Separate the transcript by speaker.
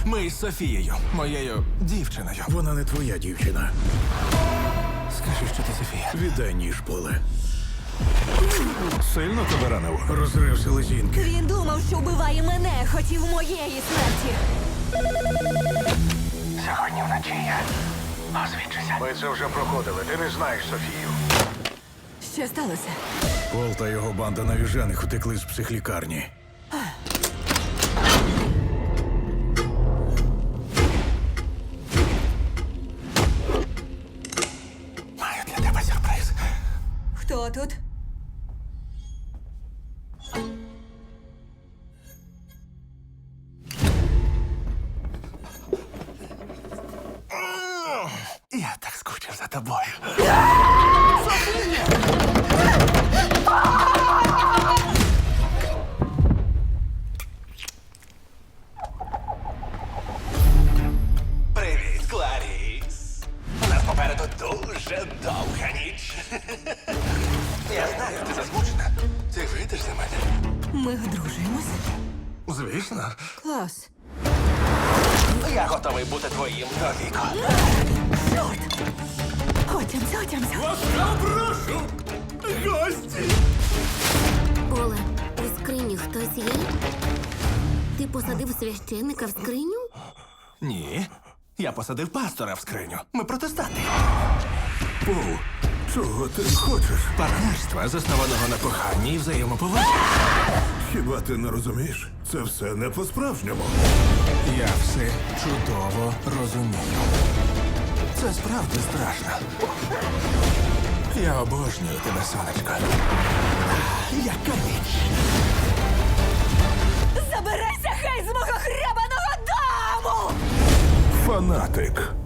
Speaker 1: Ми із Софією, моєю дівчиною.
Speaker 2: Вона не твоя дівчина.
Speaker 1: Скажи, що ти Софія.
Speaker 2: Віддай ніж, Поле.
Speaker 1: Сильно тебе ранив?
Speaker 2: Розрив селезінки.
Speaker 3: Він думав, що вбиває мене, хотів моєї смерті.
Speaker 1: Сьогодні вночі я освідчуся.
Speaker 2: Ми це вже проходили. Ти не знаєш Софію.
Speaker 3: Що сталося?
Speaker 2: Пол та його банда навіжених утекли з психлікарні.
Speaker 1: Маю для тебе сюрприз.
Speaker 3: Хто тут?
Speaker 1: Я так скучив за тобою. Привіт, Кларіс. У нас попереду дуже довга ніч. Я знаю, ти засмучена. Ти вийдеш за мене?
Speaker 3: Ми одружуємось.
Speaker 1: Звісно.
Speaker 3: Клас.
Speaker 1: Я готовий бути твоїм до віку.
Speaker 3: Чорт! Отямся.
Speaker 1: Ласкаво прошу! Гості!
Speaker 4: Поле, у скрині хтось є? Ти посадив священника в скриню?
Speaker 1: Ні. Я посадив пастора в скриню. Ми протестанти.
Speaker 2: Пол, чого ти хочеш?
Speaker 1: Партнерства, заснованого на коханні і взаємоповазі.
Speaker 2: Хіба ти не розумієш? Це все не по-справжньому.
Speaker 1: Я все чудово розумію. Це справді страшно. Я обожнюю тебе, сонечко. Яка ніч!
Speaker 3: Забирайся, хай з мого хребаного дому!
Speaker 2: Фанатик.